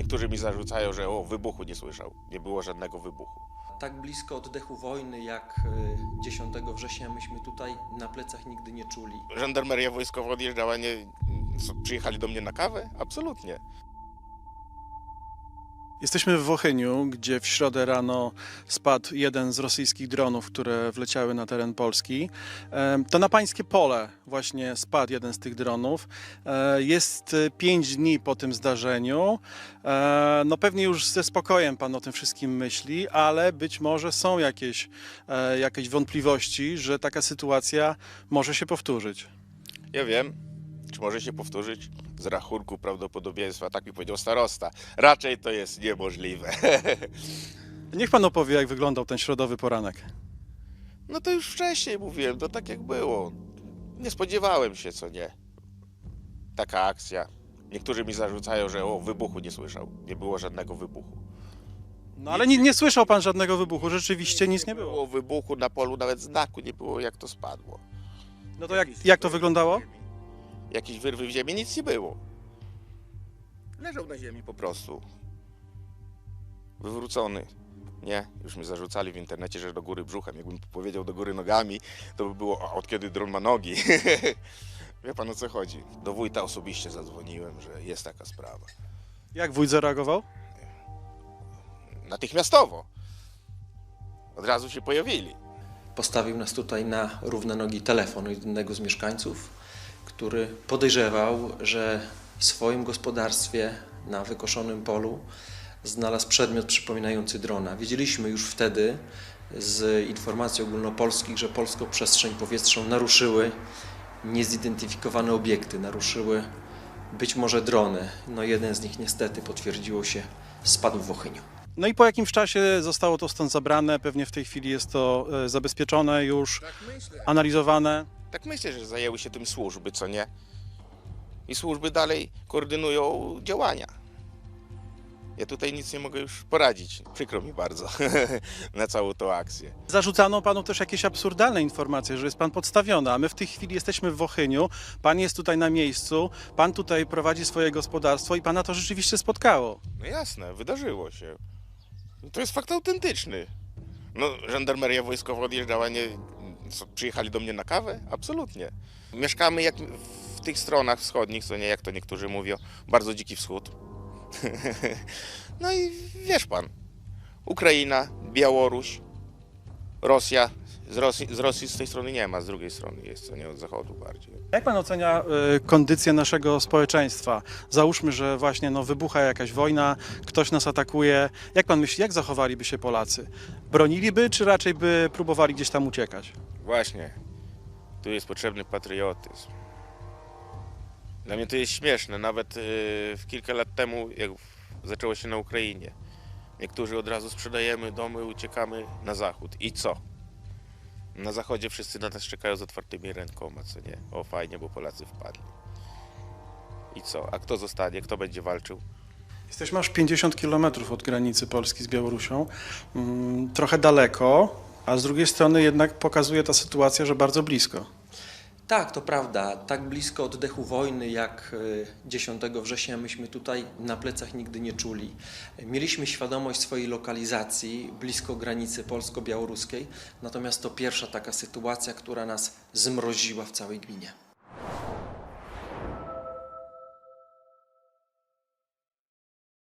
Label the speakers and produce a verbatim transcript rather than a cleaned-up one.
Speaker 1: Niektórzy mi zarzucają, że o, wybuchu nie słyszał. Nie było żadnego wybuchu.
Speaker 2: Tak blisko oddechu wojny jak dziesiątego września myśmy tutaj na plecach nigdy nie czuli.
Speaker 1: Żandarmeria wojskowa odjeżdżała, nie, co, przyjechali do mnie na kawę? Absolutnie.
Speaker 3: Jesteśmy w Wochyniu, gdzie w środę rano spadł jeden z rosyjskich dronów, które wleciały na teren Polski. E, To na pańskie pole właśnie spadł jeden z tych dronów. E, Jest pięć dni po tym zdarzeniu. E, No pewnie już ze spokojem pan o tym wszystkim myśli, ale być może są jakieś, e, jakieś wątpliwości, że taka sytuacja może się powtórzyć.
Speaker 1: Ja wiem, czy może się powtórzyć? Z rachunku prawdopodobieństwa, tak mi powiedział starosta. Raczej to jest niemożliwe.
Speaker 3: Niech pan opowie, jak wyglądał ten środowy poranek.
Speaker 1: No to już wcześniej mówiłem, to tak jak było. Nie spodziewałem się, co nie. Taka akcja. Niektórzy mi zarzucają, że o, wybuchu nie słyszał. Nie było żadnego wybuchu.
Speaker 3: No ale nie, nie słyszał pan żadnego wybuchu, rzeczywiście nic nie było.
Speaker 1: Było wybuchu na polu, nawet znaku nie było, jak to spadło.
Speaker 3: No to jak, jak to wyglądało?
Speaker 1: Jakieś wyrwy w ziemi, nic nie było. Leżał na ziemi po prostu. Wywrócony. Nie, już mi zarzucali w internecie, że do góry brzuchem. Jakbym powiedział do góry nogami, to by było, a od kiedy dron ma nogi? Wie pan, o co chodzi? Do wójta osobiście zadzwoniłem, że jest taka sprawa.
Speaker 3: Jak wójt zareagował?
Speaker 1: Natychmiastowo. Od razu się pojawili.
Speaker 2: Postawił nas tutaj na równe nogi telefon jednego z mieszkańców, który podejrzewał, że w swoim gospodarstwie na wykoszonym polu znalazł przedmiot przypominający drona. Wiedzieliśmy już wtedy z informacji ogólnopolskich, że polską przestrzeń powietrzną naruszyły niezidentyfikowane obiekty, naruszyły być może drony. No jeden z nich niestety potwierdziło się, spadł w Wochyniu.
Speaker 3: No i po jakimś czasie zostało to stąd zabrane, pewnie w tej chwili jest to e, zabezpieczone już,
Speaker 1: Tak myślę.
Speaker 3: analizowane.
Speaker 1: Tak myślę, że zajęły się tym służby, co nie? I służby dalej koordynują działania. Ja tutaj nic nie mogę już poradzić. Przykro mi bardzo na całą tą akcję.
Speaker 3: Zarzucano panu też jakieś absurdalne informacje, że jest pan podstawiony, a my w tej chwili jesteśmy w Wochyniu, pan jest tutaj na miejscu, pan tutaj prowadzi swoje gospodarstwo i pana to rzeczywiście spotkało.
Speaker 1: No jasne, wydarzyło się. To jest fakt autentyczny. No, żandarmeria wojskowa odjeżdżała, nie, co, przyjechali do mnie na kawę? Absolutnie. Mieszkamy jak w tych stronach wschodnich, co nie, jak to niektórzy mówią, bardzo dziki wschód. No i wiesz pan, Ukraina, Białoruś, Rosja, z Rosji, z Rosji z tej strony nie ma, z drugiej strony jest, co nie, od zachodu bardziej.
Speaker 3: Jak pan ocenia e, kondycję naszego społeczeństwa? Załóżmy, że właśnie no, wybucha jakaś wojna, ktoś nas atakuje. Jak pan myśli, jak zachowaliby się Polacy? Broniliby, czy raczej by próbowali gdzieś tam uciekać?
Speaker 1: Właśnie, tu jest potrzebny patriotyzm. Dla mnie to jest śmieszne, nawet yy, kilka lat temu, jak zaczęło się na Ukrainie, niektórzy od razu sprzedajemy domy, uciekamy na zachód. I co? Na zachodzie wszyscy na nas czekają z otwartymi rękoma, co nie? O fajnie, bo Polacy wpadli. I co? A kto zostanie? Kto będzie walczył?
Speaker 3: Jesteśmy aż pięćdziesiąt kilometrów od granicy Polski z Białorusią. Mm, trochę daleko, a z drugiej strony jednak pokazuje ta sytuacja, że bardzo blisko.
Speaker 2: Tak, to prawda. Tak blisko oddechu wojny jak dziesiątego września myśmy tutaj na plecach nigdy nie czuli. Mieliśmy świadomość swojej lokalizacji blisko granicy polsko-białoruskiej, natomiast to pierwsza taka sytuacja, która nas zmroziła w całej gminie.